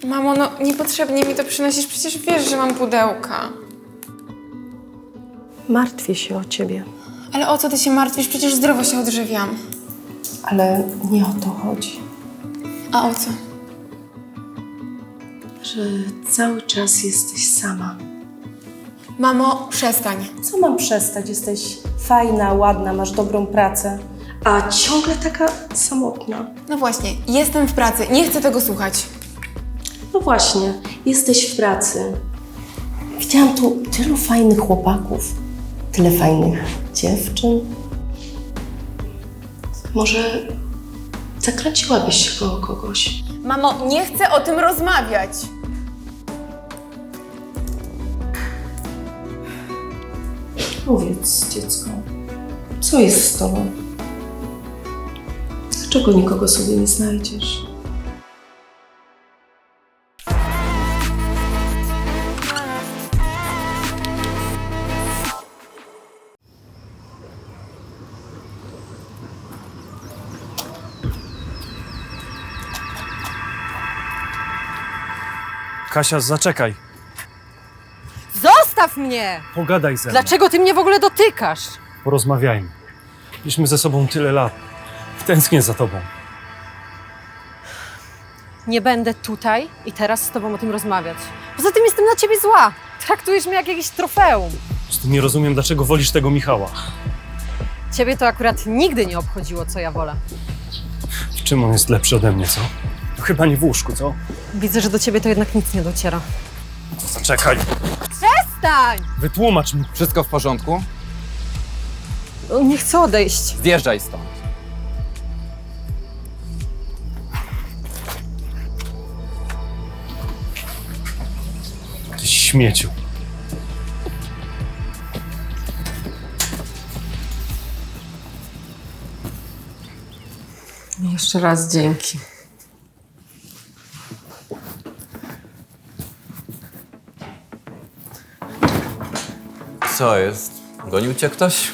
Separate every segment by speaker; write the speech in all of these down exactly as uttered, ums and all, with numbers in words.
Speaker 1: Mamo, no niepotrzebnie mi to przynosisz, przecież wiesz, że mam pudełka.
Speaker 2: Martwię się o ciebie.
Speaker 1: Ale o co ty się martwisz? Przecież zdrowo się odżywiam.
Speaker 2: Ale nie o to chodzi.
Speaker 1: A o co?
Speaker 2: Że cały czas jesteś sama.
Speaker 1: Mamo, przestań.
Speaker 2: Co mam przestać? Jesteś fajna, ładna, masz dobrą pracę, a ciągle taka samotna.
Speaker 1: No właśnie, jestem w pracy, nie chcę tego słuchać.
Speaker 2: No właśnie, jesteś w pracy. Widziałam tu tylu fajnych chłopaków, tyle fajnych dziewczyn. Może zakręciłabyś się koło kogoś?
Speaker 1: Mamo, nie chcę o tym rozmawiać.
Speaker 2: Powiedz, dziecko, co jest z tobą? Dlaczego nikogo sobie nie znajdziesz?
Speaker 3: Kasia, zaczekaj.
Speaker 4: Zostaw mnie!
Speaker 3: Pogadaj ze mną.
Speaker 4: Dlaczego ty mnie w ogóle dotykasz?
Speaker 3: Porozmawiajmy. Byliśmy ze sobą tyle lat. Tęsknię za tobą.
Speaker 4: Nie będę tutaj i teraz z tobą o tym rozmawiać. Poza tym jestem na ciebie zła. Traktujesz mnie jak jakieś trofeum.
Speaker 3: Po prostu nie rozumiem, dlaczego wolisz tego Michała.
Speaker 4: Ciebie to akurat nigdy nie obchodziło, co ja wolę.
Speaker 3: W czym on jest lepszy ode mnie, co? No chyba nie w łóżku, co?
Speaker 4: Widzę, że do ciebie to jednak nic nie dociera.
Speaker 3: Zaczekaj.
Speaker 4: Stań!
Speaker 3: Wytłumacz mi.
Speaker 5: Wszystko w porządku?
Speaker 4: On nie chce odejść.
Speaker 5: Zjeżdżaj stąd.
Speaker 3: Ty śmieciu.
Speaker 4: Jeszcze raz dzięki.
Speaker 5: Co jest? Gonił cię ktoś?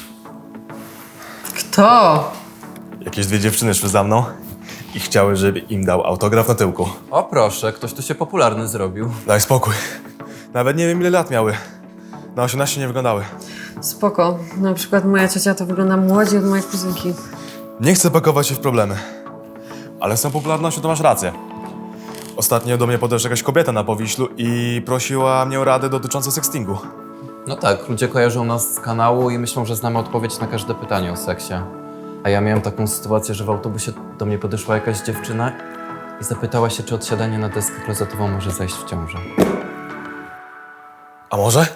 Speaker 4: Kto?
Speaker 6: Jakieś dwie dziewczyny szły za mną i chciały, żeby im dał autograf na tyłku.
Speaker 5: O proszę, ktoś tu się popularny zrobił.
Speaker 6: Daj spokój. Nawet nie wiem, ile lat miały. Na osiemnaście nie wyglądały.
Speaker 4: Spoko. Na przykład moja ciocia to wygląda młodziej od mojej kuzynki.
Speaker 6: Nie chcę pakować się w problemy. Ale z tą popularnością to masz rację. Ostatnio do mnie podeszła jakaś kobieta na Powiślu i prosiła mnie o radę dotyczącą sextingu.
Speaker 5: No tak, ludzie kojarzą nas z kanału i myślą, że znamy odpowiedź na każde pytanie o seksie. A ja miałem taką sytuację, że w autobusie do mnie podeszła jakaś dziewczyna i zapytała się, czy odsiadanie na deskę klozetową może zajść w ciążę.
Speaker 6: A może?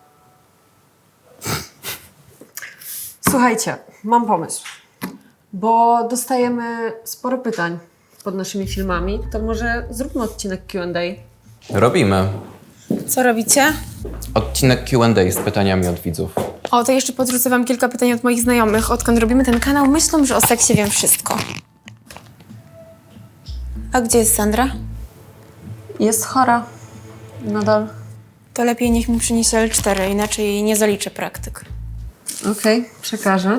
Speaker 4: Słuchajcie, mam pomysł. Bo dostajemy sporo pytań pod naszymi filmami, to może zróbmy odcinek Q and A.
Speaker 5: Robimy.
Speaker 1: Co robicie?
Speaker 5: Odcinek Q and A z pytaniami od widzów.
Speaker 1: O, to jeszcze podrzucę wam kilka pytań od moich znajomych. Odkąd robimy ten kanał, myślą, że o seksie wiem wszystko. A gdzie jest Sandra?
Speaker 4: Jest chora. Nadal.
Speaker 1: To lepiej niech mi przyniesie L cztery, inaczej jej nie zaliczę praktyk.
Speaker 4: Okej, przekażę.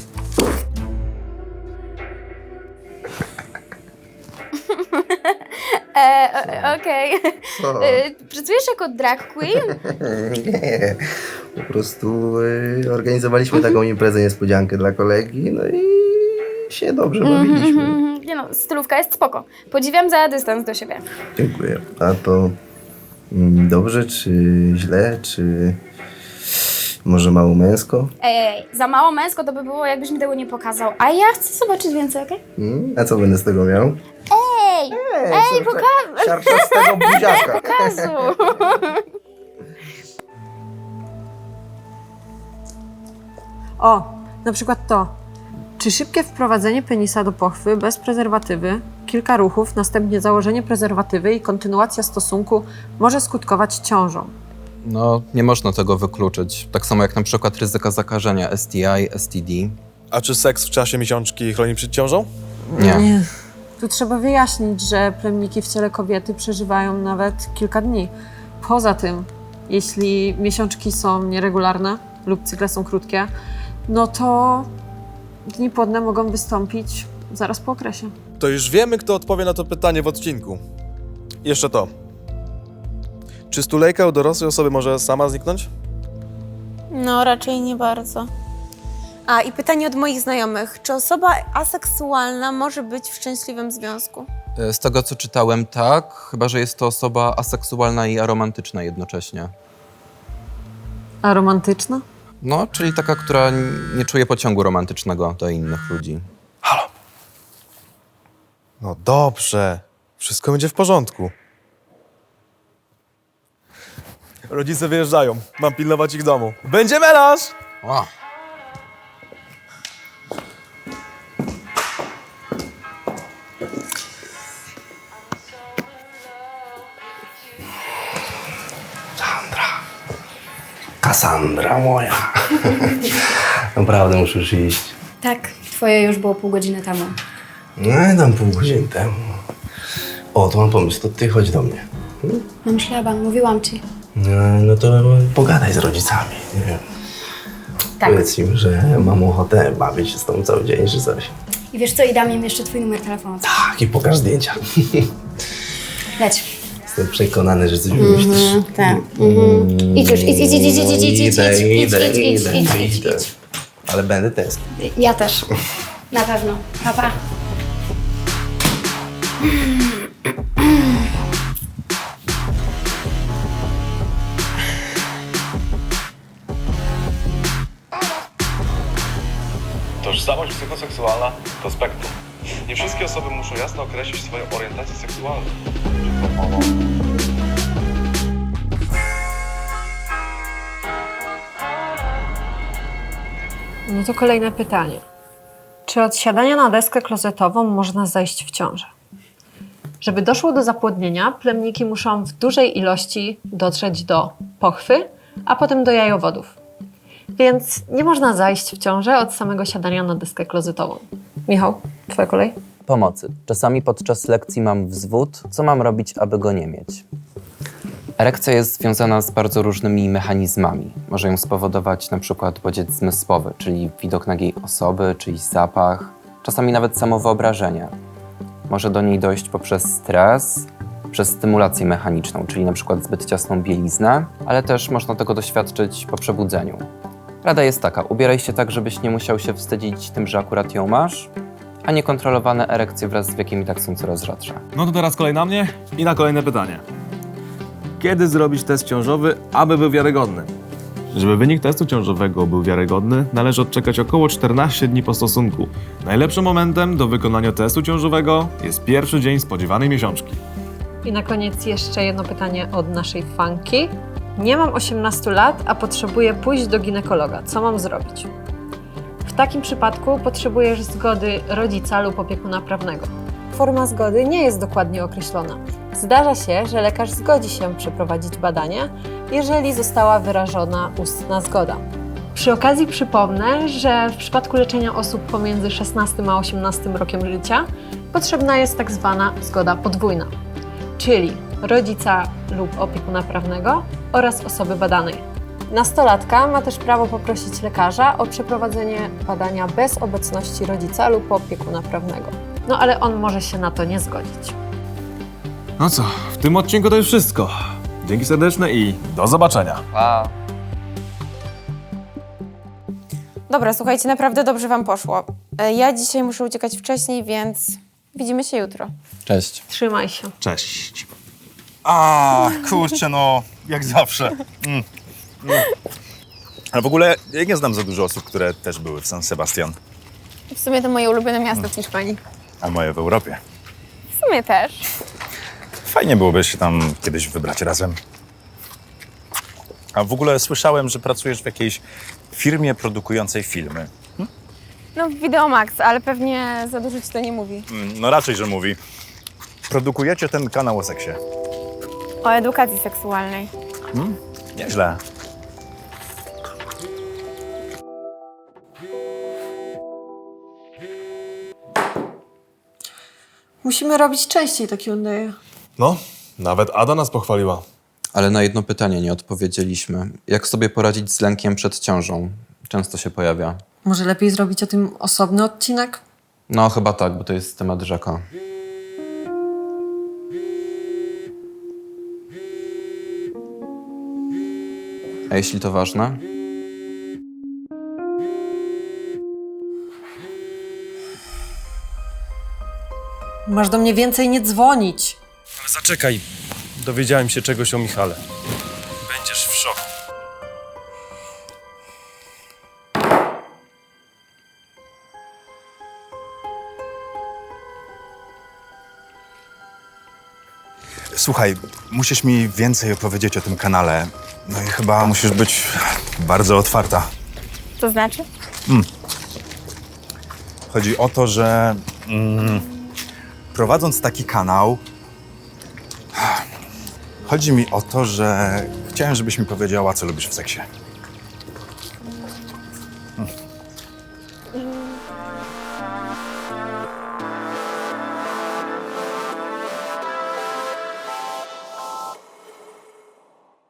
Speaker 7: E, o- Okej. E, Pracujesz jako drag queen?
Speaker 8: Nie, po prostu y, organizowaliśmy taką imprezę niespodziankę dla kolegi, no i się dobrze bawiliśmy.
Speaker 7: Mhm. Nie no, stylówka jest spoko. Podziwiam za dystans do siebie.
Speaker 8: Dziękuję. A to mm, dobrze, czy źle, czy może mało męsko?
Speaker 7: Ej, ej, ej, za mało męsko to by było, jakbyś mi tego nie pokazał. A ja chcę zobaczyć więcej, okej?
Speaker 8: Mm, a co będę z tego miał?
Speaker 7: Ej! Ej, poka-
Speaker 8: Siarczastego buziaka.
Speaker 7: Pokazu!
Speaker 4: O, na przykład to. Czy szybkie wprowadzenie penisa do pochwy bez prezerwatywy, kilka ruchów, następnie założenie prezerwatywy i kontynuacja stosunku może skutkować ciążą?
Speaker 5: No, nie można tego wykluczyć. Tak samo jak na przykład ryzyka zakażenia S T I, S T D.
Speaker 6: A czy seks w czasie miesiączki chroni przed ciążą?
Speaker 5: Nie.
Speaker 4: Tu trzeba wyjaśnić, że plemniki w ciele kobiety przeżywają nawet kilka dni. Poza tym, jeśli miesiączki są nieregularne lub cykle są krótkie, no to dni płodne mogą wystąpić zaraz po okresie.
Speaker 6: To już wiemy, kto odpowie na to pytanie w odcinku. Jeszcze to. Czy stulejka u dorosłej osoby może sama zniknąć?
Speaker 1: No, raczej nie bardzo. A, i pytanie od moich znajomych. Czy osoba aseksualna może być w szczęśliwym związku?
Speaker 5: E, Z tego, co czytałem, tak, chyba że jest to osoba aseksualna i aromantyczna jednocześnie.
Speaker 4: A romantyczna?
Speaker 5: No, czyli taka, która nie czuje pociągu romantycznego do innych ludzi.
Speaker 6: No dobrze. Wszystko będzie w porządku. Rodzice wyjeżdżają. Mam pilnować ich domu. Będzie melanż!
Speaker 5: O.
Speaker 8: Kassandra moja. Naprawdę muszę już iść.
Speaker 7: Tak, twoje już było pół godziny temu.
Speaker 8: No i tam pół godziny temu. O, to mam pomysł, to ty chodź do mnie.
Speaker 7: Mam szlaban, mówiłam ci.
Speaker 8: No, no to pogadaj z rodzicami, nie wiem.
Speaker 7: Tak.
Speaker 8: Powiedz im, że mam ochotę bawić się z tobą cały dzień, czy coś.
Speaker 7: I wiesz co, i dam im jeszcze twój numer telefonu.
Speaker 8: Tak, i pokaż zdjęcia.
Speaker 7: Leć.
Speaker 8: Jestem przekonany, że coś wymyślisz.
Speaker 7: Tak. Mhm. Idź już, idź, idź, idź, idź, idź, idź, idź, idź,
Speaker 8: Idę,
Speaker 7: idź,
Speaker 8: idę,
Speaker 7: idź, idź,
Speaker 8: idę,
Speaker 7: idź, idź,
Speaker 8: idę.
Speaker 7: idź.
Speaker 8: Ale będę test.
Speaker 7: Ja też. Na pewno. Pa, pa.
Speaker 9: Tożsamość psychoseksualna to spektrum. Nie wszystkie osoby muszą jasno określić swoją orientację seksualną.
Speaker 4: No to kolejne pytanie. Czy od siadania na deskę klozetową można zajść w ciążę? Żeby doszło do zapłodnienia, plemniki muszą w dużej ilości dotrzeć do pochwy, a potem do jajowodów. Więc nie można zajść w ciążę od samego siadania na deskę klozetową. Michał, twoja kolej?
Speaker 5: Pomocy. Czasami podczas lekcji mam wzwód. Co mam robić, aby go nie mieć? Erekcja jest związana z bardzo różnymi mechanizmami. Może ją spowodować na przykład bodziec zmysłowy, czyli widok nagiej osoby, czyjś zapach, czasami nawet samo wyobrażenie. Może do niej dojść poprzez stres, przez stymulację mechaniczną, czyli na przykład zbyt ciasną bieliznę, ale też można tego doświadczyć po przebudzeniu. Rada jest taka, ubieraj się tak, żebyś nie musiał się wstydzić tym, że akurat ją masz, a niekontrolowane erekcje wraz z wiekiem i tak są coraz rzadsze.
Speaker 6: No to teraz kolej na mnie i na kolejne pytanie. Kiedy zrobić test ciążowy, aby był wiarygodny? Żeby wynik testu ciążowego był wiarygodny, należy odczekać około czternaście dni po stosunku. Najlepszym momentem do wykonania testu ciążowego jest pierwszy dzień spodziewanej miesiączki.
Speaker 4: I na koniec jeszcze jedno pytanie od naszej fanki. Nie mam osiemnastu lat, a potrzebuję pójść do ginekologa. Co mam zrobić? W takim przypadku potrzebujesz zgody rodzica lub opiekuna prawnego. Forma zgody nie jest dokładnie określona. Zdarza się, że lekarz zgodzi się przeprowadzić badanie, jeżeli została wyrażona ustna zgoda. Przy okazji przypomnę, że w przypadku leczenia osób pomiędzy szesnastym a osiemnastym rokiem życia potrzebna jest tak zwana zgoda podwójna, czyli rodzica lub opiekuna prawnego oraz osoby badanej. Nastolatka ma też prawo poprosić lekarza o przeprowadzenie badania bez obecności rodzica lub opiekuna prawnego. No ale on może się na to nie zgodzić.
Speaker 6: No co, w tym odcinku to już wszystko. Dzięki serdeczne i do zobaczenia.
Speaker 5: Pa!
Speaker 1: Dobra, słuchajcie, naprawdę dobrze wam poszło. E, Ja dzisiaj muszę uciekać wcześniej, więc widzimy się jutro.
Speaker 5: Cześć.
Speaker 4: Trzymaj się.
Speaker 10: Cześć. A, kurczę, no, jak zawsze. Mm. Mm. Ale w ogóle ja nie znam za dużo osób, które też były w San Sebastian,
Speaker 1: W sumie to moje ulubione miasto w Hiszpanii.
Speaker 10: a moje w Europie.
Speaker 1: W sumie też.
Speaker 10: Fajnie byłoby się tam kiedyś wybrać razem. A w ogóle słyszałem, że pracujesz w jakiejś firmie produkującej filmy.
Speaker 1: No, Videomax, ale pewnie za dużo ci to nie mówi.
Speaker 10: Mm, No raczej, że mówi. Produkujecie ten kanał o seksie.
Speaker 1: O edukacji seksualnej.
Speaker 10: Nieźle.
Speaker 4: Musimy robić częściej takie Q and A.
Speaker 6: No, nawet Ada nas pochwaliła.
Speaker 5: Ale na jedno pytanie nie odpowiedzieliśmy. Jak sobie poradzić z lękiem przed ciążą? Często się pojawia.
Speaker 4: Może lepiej zrobić o tym osobny odcinek?
Speaker 5: No chyba tak, bo to jest temat rzeka. A jeśli to ważne?
Speaker 4: Masz do mnie więcej nie dzwonić.
Speaker 3: Ale zaczekaj, dowiedziałem się czegoś o Michale. Będziesz w szoku.
Speaker 10: Słuchaj, musisz mi więcej opowiedzieć o tym kanale. No i chyba musisz być bardzo otwarta.
Speaker 7: To znaczy?
Speaker 10: Chodzi o to, że mm, prowadząc taki kanał, chodzi mi o to, że chciałem, żebyś mi powiedziała, co lubisz w seksie.